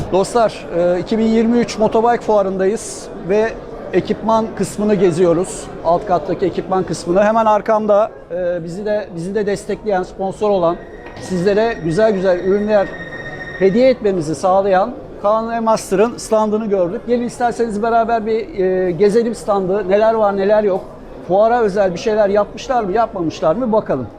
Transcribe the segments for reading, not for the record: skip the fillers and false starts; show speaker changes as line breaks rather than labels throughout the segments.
Dostlar, 2023 Motobike Fuarı'ndayız ve ekipman kısmını geziyoruz. Alt kattaki ekipman kısmını. Hemen arkamda bizi de destekleyen, sponsor olan, sizlere güzel güzel ürünler hediye etmemizi sağlayan Kaan Master'ın standını gördük. Gelin isterseniz beraber bir gezelim standı. Neler var, neler yok. Fuara özel bir şeyler yapmışlar mı, yapmamışlar mı bakalım.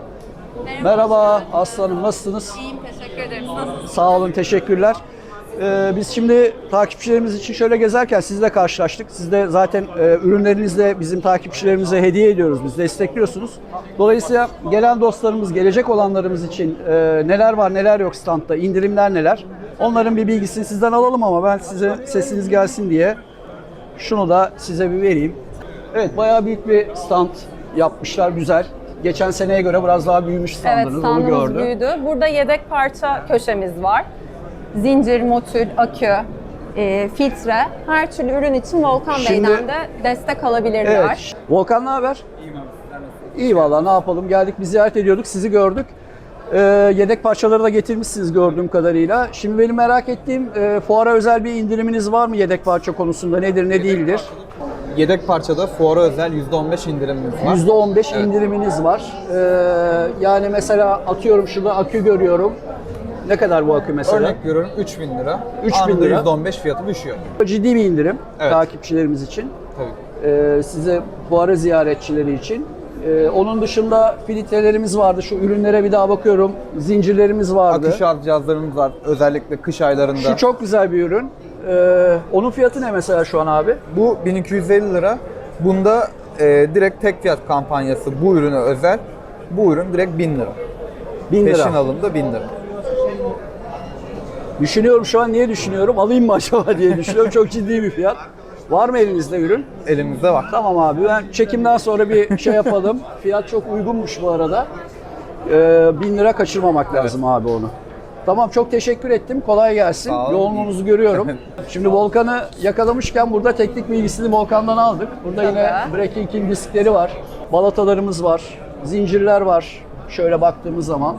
Merhaba Aslanım, nasılsınız?
İyiyim, teşekkür ederim. Nasılsınız?
Sağ olun, teşekkürler. Biz şimdi takipçilerimiz için şöyle gezerken sizle karşılaştık. Siz de zaten ürünlerinizle bizim takipçilerimize hediye ediyoruz, biz destekliyorsunuz. Dolayısıyla gelen dostlarımız, gelecek olanlarımız için neler var neler yok standta, indirimler neler, onların bir bilgisini sizden alalım ama ben size sesiniz gelsin diye şunu da size bir vereyim. Evet, bayağı büyük bir stand yapmışlar, güzel. Geçen seneye göre biraz daha büyümüş standınız,
Evet,
onu
standımız
gördüm.
büyüdü. Burada yedek parça köşemiz var. Zincir, motül, akü, filtre, her türlü ürün için Volkan
Şimdi-
Bey'den de destek alabilirler.
Evet. Volkan ne haber? İyi valla, ne yapalım, geldik bir ziyaret ediyorduk, sizi gördük. Yedek parçaları da getirmişsiniz gördüğüm kadarıyla. Şimdi benim merak ettiğim, fuara özel bir indiriminiz var mı yedek parça konusunda, nedir ne değildir?
Yedek parçada fuara özel %15 indirimimiz var.
%15 indiriminiz var. Yani mesela atıyorum şurada akü görüyorum. Ne kadar bu akü mesela?
Örnek veriyorum 3.000 lira.
3.000
Anında
lira.
%15 fiyatı düşüyor.
Ciddi bir indirim
Evet.
takipçilerimiz için.
Tabii.
Size fuara ziyaretçileri için. Onun dışında filtrelerimiz vardı. Şu ürünlere bir daha bakıyorum. Zincirlerimiz vardı.
Akü şarj cihazlarımız var. Özellikle kış aylarında.
Şu çok güzel bir ürün. Onun fiyatı ne mesela şu an abi?
Bu 1250 lira. Bunda direkt tek fiyat kampanyası bu ürüne özel. Bu ürün direkt 1000 lira.
1000 lira.
Peşin alımda 1000 lira.
Düşünüyorum şu an, niye düşünüyorum? Alayım mı acaba diye düşünüyorum. Çok ciddi bir fiyat. Var mı elinizde ürün?
Elimizde var.
Tamam abi, ben çekimden sonra bir şey yapalım. Fiyat çok uygunmuş bu arada. 1000 lira kaçırmamak lazım abi onu. Tamam, çok teşekkür ettim. Kolay gelsin.
Sağ olun.
Yoğunluğunuzu görüyorum. Şimdi Volkan'ı yakalamışken burada teknik bilgisini Volkan'dan aldık. Burada yine Breaking'in diskleri var. Balatalarımız var. Zincirler var. Şöyle baktığımız zaman.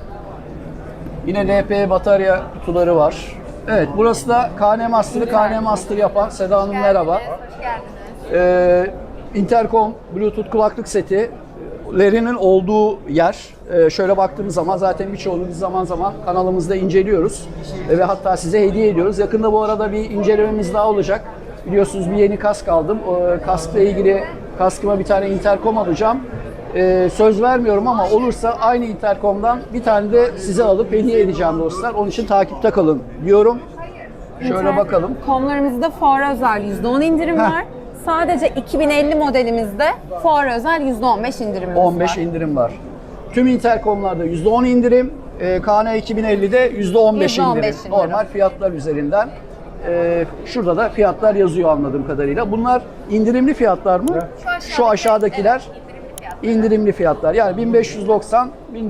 Yine LP batarya kutuları var. Evet, burası da KN Master'ı KN Master yapan Seda Hanım, merhaba.
Hoş geldiniz.
Intercom, Bluetooth kulaklık setilerinin olduğu yer. Şöyle baktığımız zaman zaten birçoğunu biz zaman zaman kanalımızda inceliyoruz. Ve hatta size hediye ediyoruz. Yakında bu arada bir incelememiz daha olacak. Biliyorsunuz bir yeni kask aldım. O kaskla ilgili kaskıma bir tane intercom alacağım. Söz vermiyorum ama olursa aynı intercom'dan bir tane de size alıp hediye edeceğim dostlar. Onun için takipte kalın diyorum. Şöyle bakalım.
Komlarımızda fuara özel %10 indirim
Heh.
var. Sadece 2050 modelimizde fuara özel %15 indirimimiz
15
var.
indirim var. Tüm interkomlarda %10 indirim, KN 2050'de %15 indirim.
indirim.
Normal fiyatlar üzerinden. Şurada da fiyatlar yazıyor anladığım kadarıyla. Bunlar indirimli fiyatlar mı? Şu aşağıdakiler indirimli fiyatlar. Yani 1590,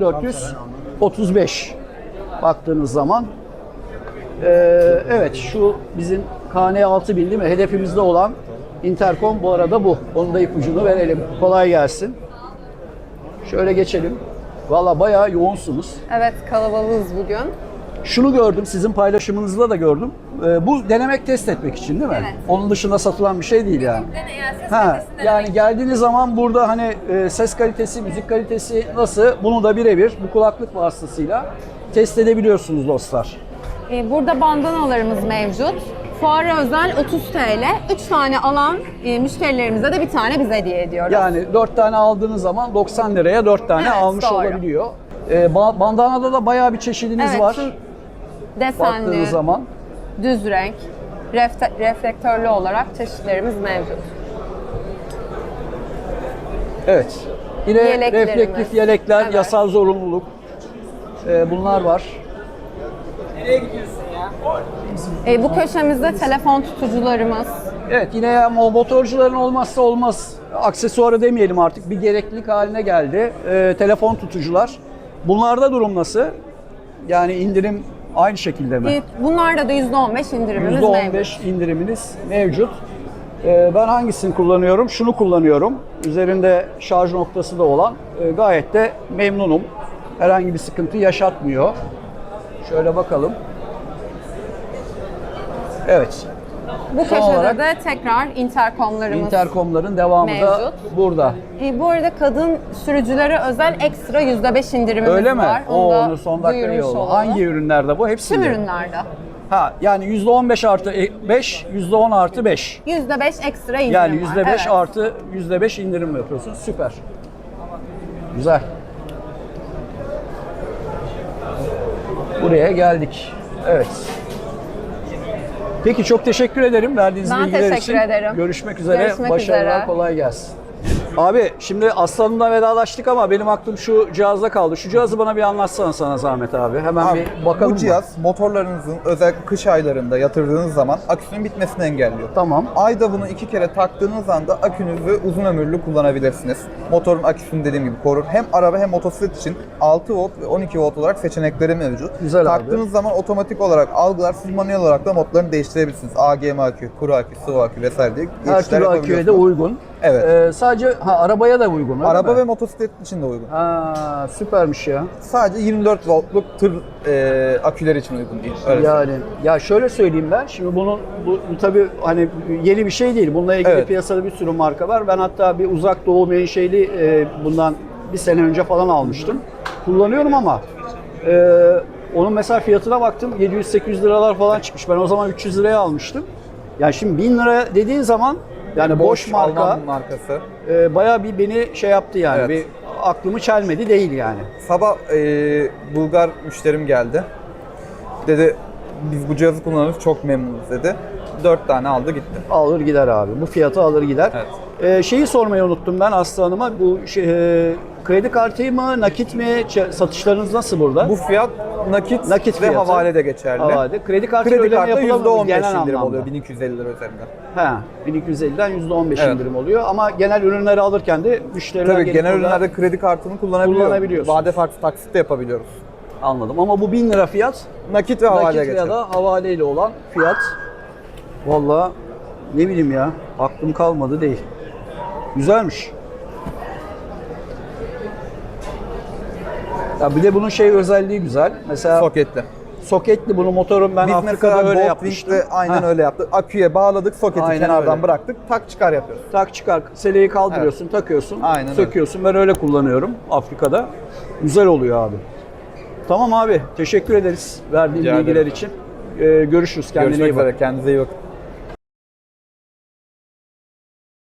1435 baktığınız zaman. Evet, şu bizim KN 6000 değil mi? Hedefimizde olan interkom bu arada bu. Onun da ipucunu verelim. Kolay gelsin. Şöyle geçelim. Valla bayağı yoğunsunuz.
Evet, kalabalığız bugün.
Şunu gördüm, sizin paylaşımınızda da gördüm. Bu denemek, test etmek için değil mi?
Evet.
Onun dışında satılan bir şey değil yani. Yani geldiğiniz zaman burada hani ses kalitesi, müzik kalitesi nasıl? Bunu da birebir bu kulaklık vasıtasıyla test edebiliyorsunuz dostlar.
Burada bandanalarımız mevcut. Fuara özel 30 TL. 3 tane alan müşterilerimize de bir tane biz hediye ediyoruz.
Yani 4 tane aldığınız zaman 90 liraya 4 tane
Evet,
almış
doğru.
olabiliyor. Bandanada da bayağı bir çeşidiniz
Evet,
var.
desenli,
Baktığınız zaman.
düz renk, reflektörlü olarak çeşitlerimiz mevcut.
Evet. Yine
Yeleklerimiz.
reflektif yelekler,
Evet.
yasal zorunluluk. Bunlar var.
Bu köşemizde telefon tutucularımız.
Evet, yine ya motorcuların olmazsa olmaz aksesuarı demeyelim artık, bir gereklilik haline geldi. Telefon tutucular. Bunlarda durum nasıl? Yani indirim aynı şekilde mi?
Bunlarda da %15 indirimimiz mevcut.
%15 indiriminiz mevcut. Ben hangisini kullanıyorum? Şunu kullanıyorum. Üzerinde şarj noktası da olan. Gayet de memnunum. Herhangi bir sıkıntı yaşatmıyor. Şöyle bakalım. Evet.
Bu
Son
köşede
olarak
de tekrar interkomlarımız.
interkomların devamı da
Mevcut.
burada.
Bu arada kadın sürücülere özel ekstra %5 indirimimiz
Öyle mi?
var.
Oo,
da
onu son dakika iyi
duyurmuş
oldu.
olalım.
Hangi ürünlerde bu? Hepsinde.
Tüm ürünlerde.
Ha, yani %15 artı 5, %10 artı 5.
%5 ekstra indirim
Yani
var.
%5
Evet.
artı %5 indirim yapıyorsun. Süper. Güzel. Buraya geldik. Evet. Peki çok teşekkür ederim verdiğiniz
Ben
bilgiler
teşekkür
için.
ederim.
Görüşmek üzere.
Görüşmek
Başarılar,
üzere.
kolay gelsin. Abi şimdi Aslan'ımla vedalaştık ama benim aklım şu cihazda kaldı. Şu cihazı bana bir anlatsana sana zahmet abi. Hemen
Abi,
bir bakalım
bu
mı?
cihaz motorlarınızın özellikle kış aylarında yatırdığınız zaman aküsünün bitmesini engelliyor.
Tamam.
Ayda bunu 2 kere taktığınız anda akünüzü uzun ömürlü kullanabilirsiniz. Motorun aküsünü dediğim gibi korur. Hem araba hem motosiklet için 6 volt ve 12 volt olarak seçenekleri mevcut.
Güzel abi.
Taktığınız zaman otomatik olarak algılar, siz manuel olarak da modlarını değiştirebilirsiniz. AGM akü, kuru akü, sıvı akü vesaire diye
Her
geçişler
türlü aküye de
yapabiliyorsunuz.
uygun.
Evet.
Sadece arabaya da uygun öyle
Araba
mi?
ve motosiklet için de uygun.
Ha, süpermiş ya.
Sadece 24 voltluk tır aküler için uygun değil. Öyle
Yani ya şöyle söyleyeyim ben. Şimdi bu tabii hani yeni bir şey değil. Bununla ilgili
Evet.
piyasada bir sürü marka var. Ben hatta bir uzak doğu menşeli bundan bir sene önce falan almıştım. Kullanıyorum ama onun mesela fiyatına baktım 700-800 liralar falan çıkmış. Ben o zaman 300 liraya almıştım. Yani şimdi 1000 lira dediğin zaman yani boş marka
Alman markası.
bayağı bir beni şey yaptı yani.
Evet.
Bir aklımı çelmedi değil yani.
Sabah Bulgar müşterim geldi. Dedi biz bu cihazı kullanıyoruz çok memnunuz dedi. 4 tane aldı gitti.
Alır gider abi. Bu fiyatı alır gider. Şeyi sormayı unuttum ben Aslı Hanım'a. Bu kredi kartı mı, nakit mi? Satışlarınız nasıl burada?
Bu fiyat nakit ve
fiyatı.
havale de geçerli.
Havale. Kredi kartı
Kredi
ödeme
kartı
yapılamıyor mu
%15
genel
indirim
anlamda?
oluyor 1250 lira üzerinden.
He, 1250'den %15
Evet.
indirim oluyor ama genel ürünleri alırken de müşteriler
Tabii
gelip
genel
burada-
ürünlerde kredi kartını
Kullanabiliyorsunuz.
Vade farklı taksit de yapabiliyoruz.
Anladım ama bu 1000 lira fiyat
Nakit ve havale
nakit
geçer.
ya da havaleyle olan fiyat. Vallahi ne bileyim ya aklım kalmadı değil. Güzelmiş. Ya bir de bunun şey özelliği güzel. Mesela
Soketli.
soketli bunu motorun ben
Biz
Afrika'da
mesela
öyle
Goldwing'de
yapmıştım.
aynen
Heh.
öyle yaptık. Aküye bağladık, soketi
Aynen
kenardan
öyle.
bıraktık, tak çıkar yapıyoruz.
Tak çıkar, seleyi kaldırıyorsun, takıyorsun,
Aynen öyle.
söküyorsun. Ben öyle kullanıyorum Afrika'da. Güzel oluyor abi. Tamam abi, teşekkür ederiz verdiğin
Rica
bilgiler
ederim.
için. Görüşürüz, kendine
Görüşmek
iyi bak.
üzere, kendinize iyi bakın.